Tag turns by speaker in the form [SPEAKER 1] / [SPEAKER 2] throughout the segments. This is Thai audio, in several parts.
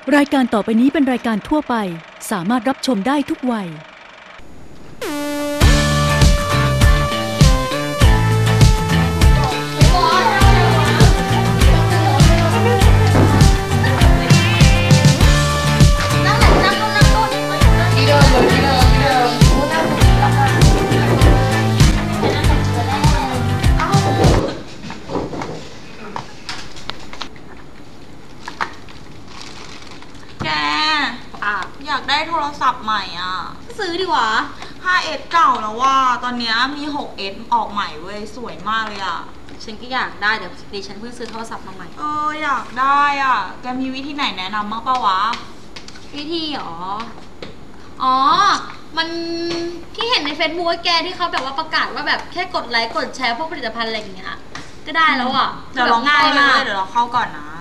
[SPEAKER 1] รายการต่อไปนี้เป็นรายการทั่วไปสามารถรับชมได้ทุกวัย
[SPEAKER 2] อยากได้โทรศัพท์ใหม่อ่ะ
[SPEAKER 3] ซื้อดีกว่า
[SPEAKER 2] 5S เก่าแล้วว่าตอนนี้มี 6S ออกใหม่เว้ยสวยมากเลยอ่ะ
[SPEAKER 3] ฉันก็อยากได้เดี๋ยวดิฉันเพิ่งซื้อโทรศัพท์มาใหม่
[SPEAKER 2] อยากได้อ่ะแกมีวิธีไหนแนะนำบ้างป่าวะ
[SPEAKER 3] วิธีหรอมันที่เห็นใน Facebook แกที่เขาแบบว่าประกาศว่าแบบแค่กดไลค์กดแชร์พวกผลิตภัณฑ์อะไรอย่างเงี้ยก็ได้แล้วอ่ะ
[SPEAKER 2] เดี๋ยวเราง่ายมากเดี๋ยวเราเข้าก่อนนะ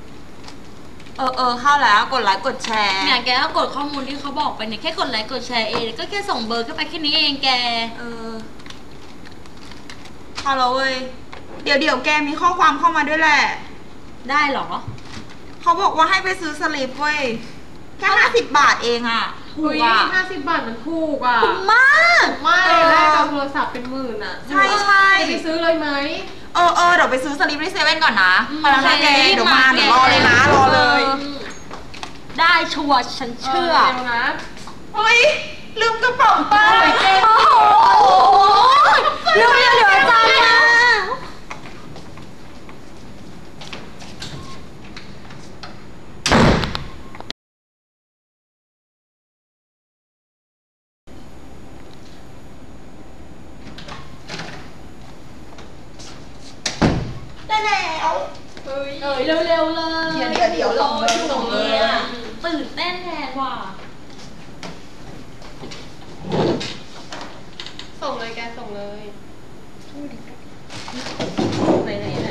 [SPEAKER 2] เข้าแล้วกดไลค์กดแชร์
[SPEAKER 3] เนี่ยแกก็กดข้อมูลที่เขาบอกไปเนี่ยแค่กดไลค์กดแชร์เองก็แค่ส่งเบอร์เข้าไปแค่นี้เองแก
[SPEAKER 2] เข้าแล้วเว้ยเดี๋ยวแกมีข้อความเข้ามาด้วยแหละ
[SPEAKER 3] ได้หรอ
[SPEAKER 2] เขาบอกว่าให้ไปซื้อสลิปเว้ยแค่50 บาทเองอ่ะ
[SPEAKER 4] ถูกอ่ะ50 บาทมันถูกอ่ะ
[SPEAKER 3] ถูกมาก
[SPEAKER 4] ไม่แลกกับโทรศัพท์เป็นหมื่นอ่ะ
[SPEAKER 2] ใช่
[SPEAKER 4] จะไปซื้อเลยไหม
[SPEAKER 2] เดี๋ยวไปซื้อสลิปที่เซเว่นก่อนนะไปแล้วนะแกเดี๋ยวมาเดี๋ยวรอเลยนะรอเลย
[SPEAKER 3] ได้ชัวร์ฉันเชื่อ
[SPEAKER 4] นะ
[SPEAKER 2] เฮ้ยลืมกระเป๋าไป
[SPEAKER 3] โอ้โหเร็วจังนะ
[SPEAKER 2] ได้แล้ว
[SPEAKER 3] เร็วเลย
[SPEAKER 2] เดี๋ยวลงเลย
[SPEAKER 3] ตื่นเต้นแทนว่ะ
[SPEAKER 4] ส่งเลยแกส่งเลยไหน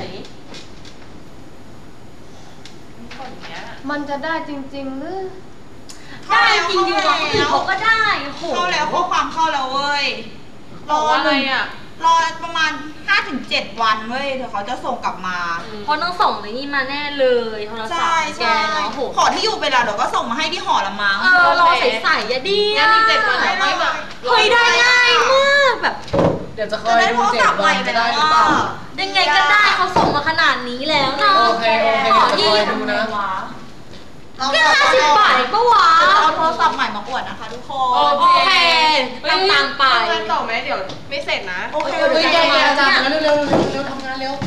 [SPEAKER 4] มันจะได้จริงๆหรือ
[SPEAKER 3] ได้จริงอยู่หรอเขาก็ได้
[SPEAKER 2] เข้าแล้วข้อความเข้าแล้วเว้ย
[SPEAKER 4] รออะไรอ่ะ
[SPEAKER 2] รอประมาณ 5-7 วันเว้ยเดี๋ยวเขาจะส่งกลับมา
[SPEAKER 3] เพราะต้องส่งในนี่มาแน่เลยโทรศัพท์แกเนาะ
[SPEAKER 2] ขอที่อยู่ไปแล้วเดี๋ยวก็ส่งมาให้ที่หอละมั้ง
[SPEAKER 3] รอใส่อย่าดี
[SPEAKER 4] งั้นอีก7 วันไม่แบบ
[SPEAKER 3] เฮ้ยได้ง่ายมากแบบ
[SPEAKER 4] เดี๋ยวจะคอยดู7 วันจะได้หรือเปล่า
[SPEAKER 3] ยังไงก็ได้เขาส่งมาขนาดนี้แล้วเนาะ
[SPEAKER 4] โอเค
[SPEAKER 3] ขอที่
[SPEAKER 4] ดูนะ
[SPEAKER 3] แค่50 บาทก็วะ
[SPEAKER 2] เอาโทรศัพท์ใหม่มาอวดนะคะทุกคน
[SPEAKER 3] โอเคตามไป
[SPEAKER 4] ทำงานต่อไหมเดี๋ยวไม่เสร็จนะ
[SPEAKER 2] โอเค
[SPEAKER 4] แกอาจารย์เร็วทำงานเร็ว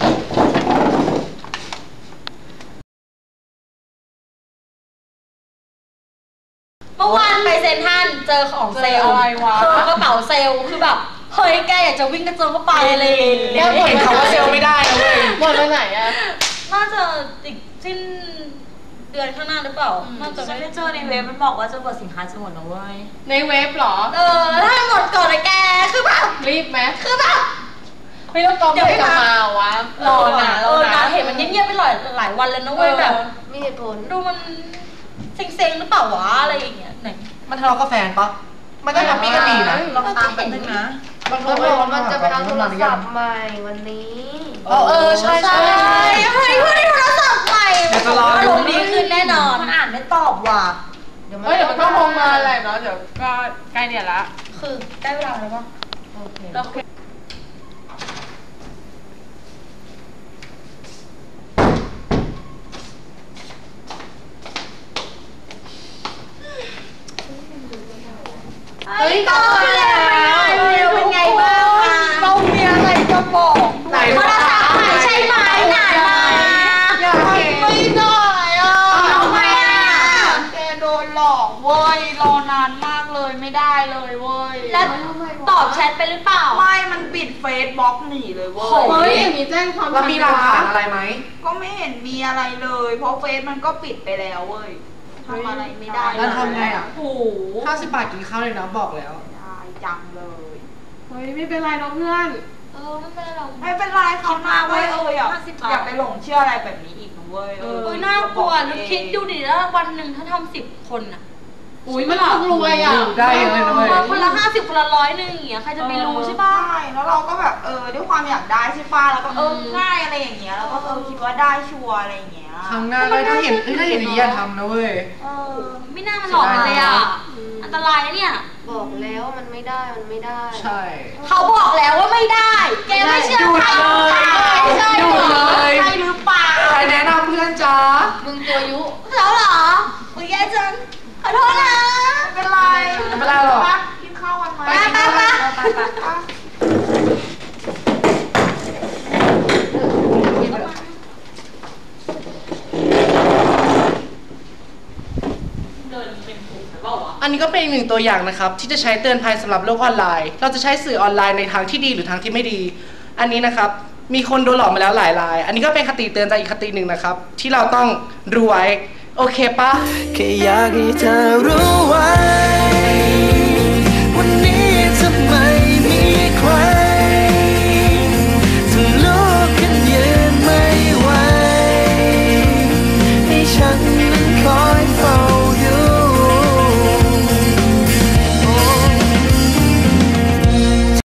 [SPEAKER 3] เมื่อวานไปเซ็นทรัลเจอของเซลล์กระเป๋าเซลล์คือแบบเฮ้ยแกอยากจะวิ่งกระเจิงก็ไปเลย
[SPEAKER 4] เห็นเขาว่าเซลล์ไม่ได้นะเว้ยหมดไปไหนอะ
[SPEAKER 3] น่าจะอีกสิ้นเดือนข้างหน้าหรือเปล่าน่าจะไม่ได้เจอในเว็บมันบอกว่าจะหมดสินค้าจะหมดแล้วเว้ย
[SPEAKER 4] ในเว็บหรอ
[SPEAKER 3] ถ้าหมดก่อนเลยแกคือแบบ
[SPEAKER 4] รีบไหม
[SPEAKER 3] คือแบบ
[SPEAKER 4] ไม่ต้องกองไม่จะมาวะ
[SPEAKER 3] รอนะเห็นมันเงียบๆไปหลายวันแล้วนะเว้ยแบบ
[SPEAKER 4] มีเหตุผล
[SPEAKER 3] ดูมันเซ็งๆหรือเปล่าวะอะไรอย่างเงี้ยไหน
[SPEAKER 5] มันทะเลาะกับแฟนปะมันก็ทำมีกันดีนะ
[SPEAKER 2] ลองตามไปนึงนะ
[SPEAKER 4] มันจะไปเอาโทรศัพท์ใหม่วันนี้
[SPEAKER 5] ใช่
[SPEAKER 3] เฮ้ยโทรศัพท์ใหม่อารมณ์ดีขึ้นแน่นอน
[SPEAKER 2] มันอ่านไม่ตอบว่ะ
[SPEAKER 4] เดี๋ยวมันก็คงมาแหละเนาะเดี๋ยวก็ใกล้เนี่ยละ
[SPEAKER 3] คือได้เวลาแล้วป่ะ
[SPEAKER 4] โอเค
[SPEAKER 3] เฮ้ยก็แล้วเป็นไงบ้าง
[SPEAKER 2] เรามีอะไรจะบอก
[SPEAKER 3] ไหนโทรศัพท์ใหม่ใช่ไหมไหนมา
[SPEAKER 2] อยากเห็นไม่ได้อ่ะ
[SPEAKER 3] ทำไม
[SPEAKER 2] แกโดนหลอกเว้ยรอนานมากเลยไม่ได้เลยเว้ย
[SPEAKER 3] แล้วตอบแชทไปหรือเปล่า
[SPEAKER 2] ไม่มันปิดเฟซบล็อกหนีเลยเว้ย
[SPEAKER 4] เฮ้ยอย่างนี้แจ้งความ
[SPEAKER 5] มีหลักฐานอะไรไหม
[SPEAKER 2] ก็ไม่เห็นมีอะไรเลยเพราะเฟซมันก็ปิดไปแล้วเว้ยทำอะไรไม่ได้
[SPEAKER 5] แล้วทำไงอ่ะ
[SPEAKER 2] โอ้โห
[SPEAKER 5] 50 บาทกินข้าวเลยนะบอกแล้ว
[SPEAKER 2] ได้จังเลย
[SPEAKER 4] เฮ้ยไม่เป็นไรน้องเพื่อน
[SPEAKER 3] ไม่เป็นไรหรอก
[SPEAKER 2] ไม่เป็นไรเขามาเว้ยอย่าไปหลงเชื่ออะไรแบบนี้อีกนะเว้ย
[SPEAKER 3] น่ากลัวนึกคิดดูดิแล้ววันหนึ่งถ้าทำ10 คนอ่ะ
[SPEAKER 4] มันต้องรวยอ่ะ
[SPEAKER 5] ได้เลยนะเว้ย
[SPEAKER 3] คนละ50 คนละ100นึงอย่างเงี้ยใครจะไปรู้ใช่ป่ะ
[SPEAKER 2] ใช่แล้วเราก็แบบด้วยความอยากได้ใช่ป่ะแล้วก็ง่ายอะไรอย่างเงี้ยแล้วก็คิดว่าได้ชัวร์อะไรอย่างเงี้ย
[SPEAKER 5] ทำง่ายเลยถ้าเห็นอย่างนี้อย่าทำนะเว้ย
[SPEAKER 3] ไม่น่ามันหลอกเลยอ่ะอันตรายนะเนี่ย
[SPEAKER 4] บอกแล้วมันไม่ได้มันไม่ได้
[SPEAKER 5] ใช่
[SPEAKER 3] เขาบอกแล้วว่าไม่ได้ แกไม่เชื่อใคร
[SPEAKER 5] ใช่เลย
[SPEAKER 2] ใช่หรือเปล่า
[SPEAKER 5] ใครแนะนำเพื่อนจ๊ะ
[SPEAKER 4] มึงตัวยุ
[SPEAKER 3] แล้วเหรออุ้ยแย่จังขอโทษนะ
[SPEAKER 2] ไม่เป็นไร
[SPEAKER 5] ไม่เป็นไรหรอก
[SPEAKER 2] กินข้าวกันไหม
[SPEAKER 3] ไป
[SPEAKER 6] อันนี้ก็เป็นอีกหนึ่งตัวอย่างนะครับที่จะใช้เตือนภัยสำหรับโลกออนไลน์ เราจะใช้สื่อออนไลน์ในทางที่ดีหรือทางที่ไม่ดี อันนี้นะครับมีคนโดนหลอกมาแล้วหลายราย อันนี้ก็เป็นคติเตือนใจอีกคติหนึ่งนะครับที่เราต้องรู้ไว้โอเคปะ
[SPEAKER 7] แค่อยากให้เธอรู้ไว้วันนี้จะไม่มีใคร